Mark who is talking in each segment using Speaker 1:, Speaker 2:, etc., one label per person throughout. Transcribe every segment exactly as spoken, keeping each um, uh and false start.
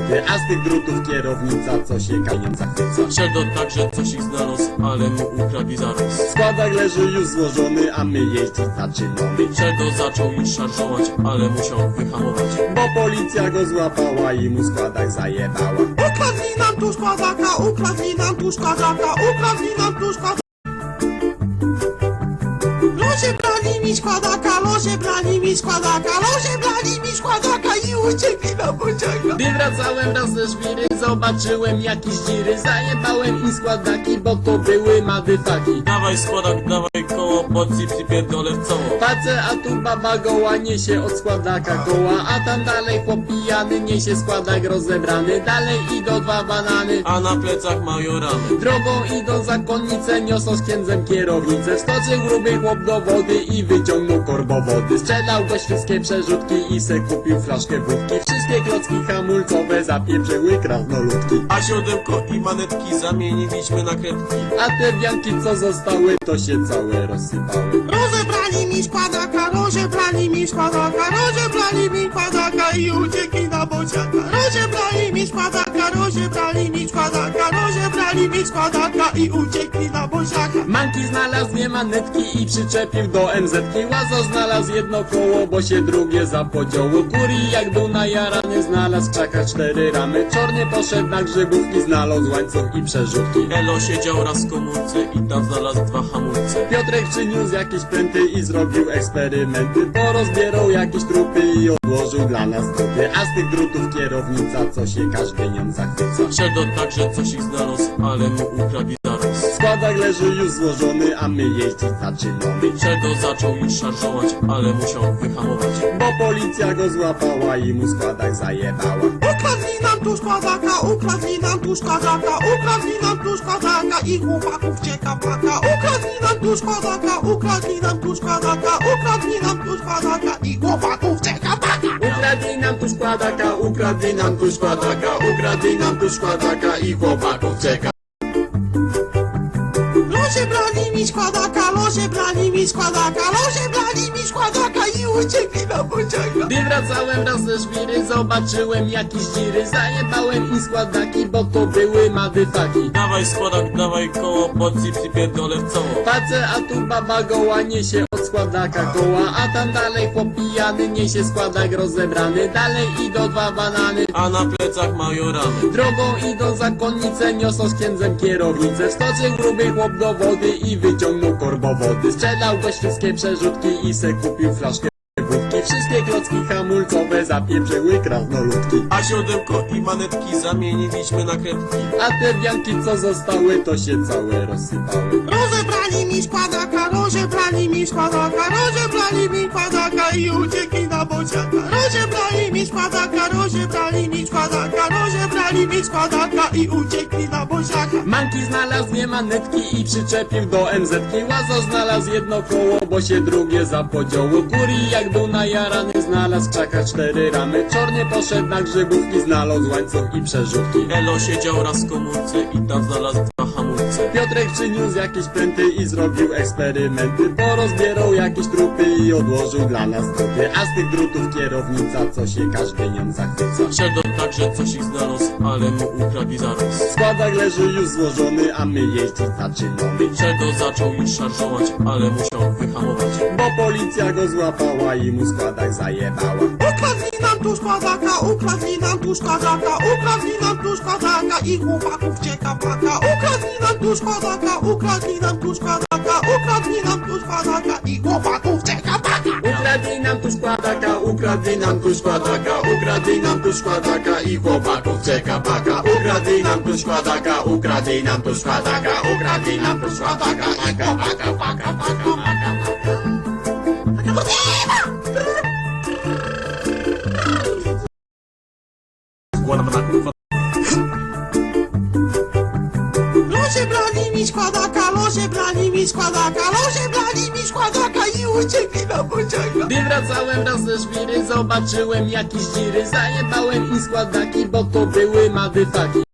Speaker 1: zdrowie, a z tych drutów kierownica co się kamień zachwyca.
Speaker 2: Szedł także coś ich znalazł, ale mu ukradli zaraz.
Speaker 1: Składak leży już złożony, a my jeździć zaczynamy.
Speaker 2: Szedł zaczął już szarżować, ale musiał wyhamować.
Speaker 1: Bo policja go złapała i mu składak zajebała.
Speaker 3: Ukradli nam tu składaka, ukradli nam tu składaka, ukradli nam tu składaka. Losie brali mi składaka, losie brali mi składaka, losie brali mi składaka i uciekli na pociąga.
Speaker 1: Gdy wracałem raz ze żwiry, zobaczyłem jakieś dziry. Zajebałem im składaki, bo to były madyfaki.
Speaker 2: Dawaj składak, dawaj koło, pod zip pierdolę w cało.
Speaker 1: Patrzę, a tu baba goła niesie od składaka koła, a tam dalej chłop pijany niesie składak rozebrany. Dalej idą dwa banany,
Speaker 2: A na plecach mają ramy.
Speaker 1: drogą idą zakonnice, niosą z księdzem kierownicę. Wskoczył gruby chłop do wody i wyciągnął korbowody. Sprzedał go wszystkie przerzutki i se kupił flaszkę wódki. Wszystkie klocki hamulcowe zapieprzyły krasnoludki.
Speaker 2: A siodełko i manetki zamieniliśmy na kredki.
Speaker 1: A te wianki co zostały, to się całe rozsypały.
Speaker 3: Rozebrali mi składaka, rozebrali mi składaka, rozebrali mi składaka i uciekli na bociaka. Rozebrali mi składaka, rozebrali mi składaka, rozebrali mi składaka i uciekli na bociaka.
Speaker 1: Manki znalazł dwie manetki i przyczepił do em zetki. Łazo znalazł jedno koło, bo się drugie zapodziało. Kuri jak był najarany, znalazł w krzakach cztery ramy. Czorny poszedł na grzybówki, znalazł łańcuch i przerzutki.
Speaker 2: Elo siedział raz w komórce i tam znalazł dwa hamulce.
Speaker 1: Piotrek przyniósł jakieś pręty i zrobił eksperymenty. Porozbierał jakieś trupy i odłożył dla nas trupy. A z tych drutów kierownica, co się każdy nią zachwyca.
Speaker 2: Szedł także coś ich znalazł, ale mu ukradli zaraz.
Speaker 1: Składak leży już złożony, a my jeździć zaczynamy.
Speaker 2: Szedł zaczął już szarżować, ale musiał wyhamować.
Speaker 1: Bo policja go złapała i mu składak zajebała.
Speaker 3: Ukradli nam tu składaka, ukradli nam tu składaka, ukradli nam tu składaka i chłopaków cieka paka. Ukradli nam tu składaka, ukradli nam tu składaka, ukradli nam tu składaka i chłopaków cieka paka.
Speaker 1: Ukradli nam tu składaka, ukradli nam tu składaka, ukradli nam tu składaka i chłopaków czeka.
Speaker 3: Losie brali mi składaka, losie brali mi składaka, losie brali mi składaka i uciekli na pociąga.
Speaker 1: Gdy wracałem raz ze żwiry, zobaczyłem jakieś dziry. Zajebałem im składaki, bo to były madyfaki.
Speaker 2: Dawaj składak, dawaj koło, pod zip pierdolę w cało.
Speaker 1: Patrzę, a tu baba goła niesie od składaka koła, a tam dalej chłop pijany niesie składak rozebrany. Dalej idą dwa banany,
Speaker 2: A na plecach mają ramy.
Speaker 1: drogą idą zakonnice, niosą z księdzem kierownicę. Wskoczył gruby chłop do wody i wyciągnął korbowody. Sprzedał go wszystkie przerzutki i se kupił flaszkę wódki. Wszystkie klocki hamulcowe zapieprzyły krasnoludki.
Speaker 2: A siodełko i manetki zamieniliśmy na kredki.
Speaker 1: A te wianki co zostały, to się całe rozsypały.
Speaker 3: Rozebrali mi składaka, rozebrali mi składaka, rozebrali mi składaka i uciekli na bociaka. Rozebrali mi składaka, rozebrali mi składaka, rozebrali mi składaka i uciekli na bociaka.
Speaker 1: Manki znalazł dwie manetki i przyczepił do em zetki. Łazo znalazł jedno koło, bo się drugie zapodziało. Kuri jak był najarany, znalazł w krzakach cztery ramy. Czorny poszedł na grzybówki, znalazł łańcuch i przerzutki.
Speaker 2: Elo siedział raz w komórce i tam znalazł dwa hamulce.
Speaker 1: Piotrek przyniósł jakieś pręty i zrobił eksperymenty. Porozbierał jakieś trupy i odłożył dla nas trupy. A z tych drutów kierownica, co się każdy nią zachwyca.
Speaker 2: Szedł także coś ich znalazł, ale mu ukradli zaraz.
Speaker 1: Składak leży już złożony, a my jeździć zaczynamy.
Speaker 2: Szedł zaczął już szarżować, ale musiał wyhamować.
Speaker 1: Bo policja go złapała i mu składak zajebała.
Speaker 3: Ukradli nam tu składaka, ukradli nam tu składaka, ukradli nam tu składaka i chłopaków cieka paka. Ukradli nam tu składaka, ukradli nam tu składaka, ukradli nam tu składaka i chłopaków cieka paka.
Speaker 1: Ukradli nam tu składaka, ukradli nam tu składaka, ukradli nam tu składaka i chłopaków czeka paka. Ukradli nam tu składaka, ukradli nam tu składaka, ukradli nam tu składaka i chłopaka, paka, paka, paka, paka.
Speaker 3: Losie brali mi składaka, losie brali mi składaka, losie brali mi składaka i uciekli na pociąga.
Speaker 1: Gdy wracałem raz ze żwiry, zobaczyłem jakieś dziry. Zajebałem im składaki, bo to były madyfaki.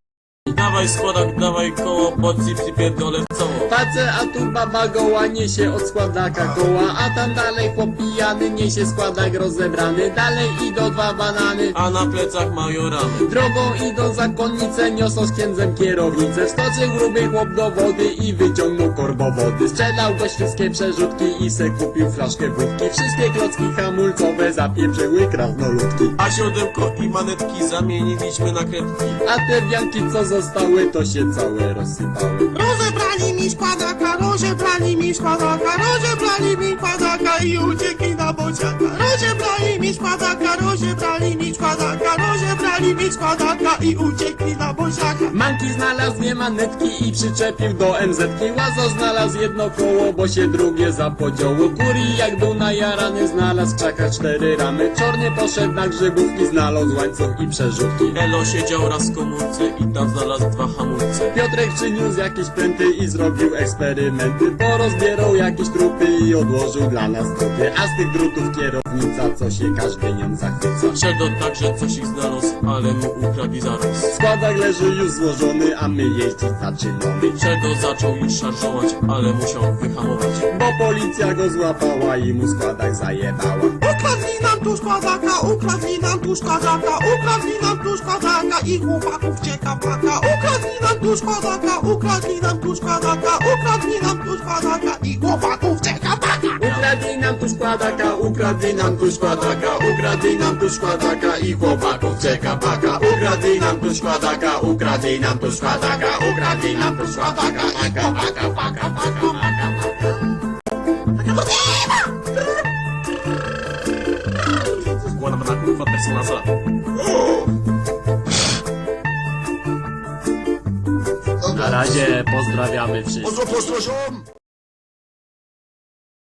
Speaker 2: Dawaj składak, dawaj koło, pod zips i pierdolę w cało.
Speaker 1: Patrzę, a tu baba goła niesie od składaka koła, a tam dalej chłop pijany niesie składak rozebrany. Dalej idą dwa banany,
Speaker 2: A na plecach mają ramy.
Speaker 1: drogą idą zakonnice, niosą z księdzem kierownicę. Wskoczył gruby chłop do wody i wyciągnął korbo wody. Sprzedał go wszystkie przerzutki i se kupił flaszkę wódki. Wszystkie klocki hamulcowe zapieprzyły krasnoludki.
Speaker 2: A siodełko i manetki zamieniliśmy na kredki.
Speaker 1: A te wianki co zostały, to się całe rozsypały.
Speaker 3: Rozebrali mi składaka, rozebrali mi składaka, rozebrali mi składaka i uciekli na bociaka. Rozebrali mi składaka, rozebrali mi składaka, rozebrali mi składaka i uciekli na bociaka.
Speaker 1: Manki znalazł dwie manetki i przyczepił do em zetki. Łazo znalazł jedno koło, bo się drugie zapodziało. Kuri jak był najarany, znalazł w krzakach cztery ramy. Czornie poszedł na grzybówki, znalazł łańcuch i przerzutki.
Speaker 2: Elo siedział raz w komórce i tam znalazł dwa hamulce.
Speaker 1: Piotrek przyniósł jakieś pręty i zrobił eksperymenty. Porozbierał jakieś trupy i odłożył dla nas trupy. A z tych drutów kierownica, co się każdy nią zachwyca.
Speaker 2: Szedł także coś ich znalazł, ale mu ukradli zaraz.
Speaker 1: Składak leży już złożony, a my jeździć zaczynamy.
Speaker 2: Szedł zaczął już szarżować, ale musiał wyhamować.
Speaker 1: Bo policja go złapała i mu składak zajebała.
Speaker 3: Ukradli nam tu składaka, ukradli nam tu składaka, ukradli nam tu składaka i chłopaków cieka paka. Ukradli nam tu składaka, ukradli nam tu składaka, ukradli nam tu składaka i chłopaków cieka paka.
Speaker 1: Ukradli nam tu składaka, ukradli nam tu składaka, ukradli nam tu składaka i chłopaków czeka paka. Ukradli nam tu składaka, ukradli nam tu składaka, ukradli nam tu składaka i chłopaka, paka, paka, paka, paka.
Speaker 2: Składam na kurwa personasa.
Speaker 1: Na razie pozdrawiamy wszystkich.
Speaker 3: Pozdro, pozdro, ziom!